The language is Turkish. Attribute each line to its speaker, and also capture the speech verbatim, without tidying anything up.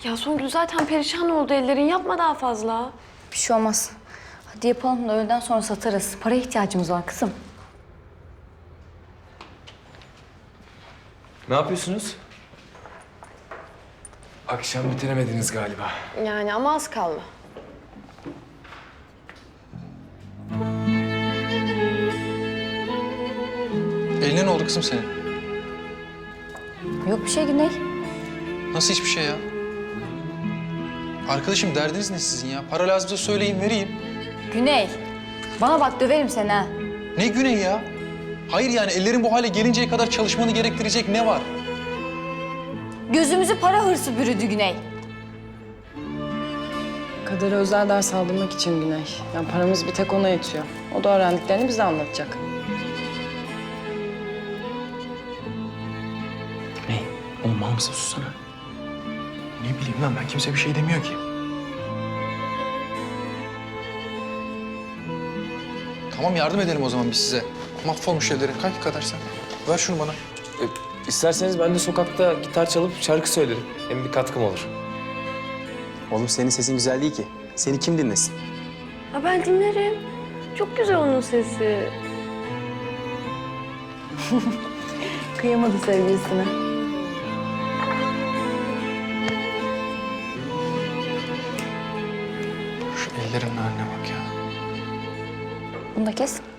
Speaker 1: Ya Songül zaten perişan oldu ellerin. Yapma daha fazla.
Speaker 2: Bir şey olmaz. Hadi yapalım da öğleden sonra satarız. Paraya ihtiyacımız var kızım.
Speaker 3: Ne yapıyorsunuz? Akşam bitiremediniz galiba.
Speaker 1: Yani ama az kaldı.
Speaker 4: Eline ne oldu kızım senin?
Speaker 2: Yok bir şey Güney.
Speaker 4: Nasıl hiçbir şey ya? Arkadaşım derdiniz ne sizin ya? Para lazımsa söyleyin vereyim.
Speaker 2: Güney. Bana bak döverim seni ha.
Speaker 4: Ne Güney ya? Hayır yani ellerin bu hale gelinceye kadar çalışmanı gerektirecek ne var?
Speaker 2: Gözümüzü para hırsı bürüdü Güney.
Speaker 5: Kader'e özel ders aldırmak için Güney. Yani paramız bir tek ona yetiyor. O da öğrendiklerini bize anlatacak.
Speaker 3: Ne? Oğlum mal mısın? Sussana. Ne bileyim lan ben kimse bir şey demiyor ki.
Speaker 4: Tamam yardım edelim o zaman biz size. Mahvolmuş ellerin. Kalk kadar sen. Ver şunu bana.
Speaker 6: E, isterseniz ben de sokakta gitar çalıp şarkı söylerim. Hem bir katkım olur.
Speaker 7: Oğlum senin sesin güzel değil ki. Seni kim dinlesin?
Speaker 1: Ha ben dinlerim. Çok güzel onun sesi.
Speaker 2: Kıyamadı sevgilisine.
Speaker 4: Şu ellerin haline bak ya.
Speaker 2: Bunu da kes.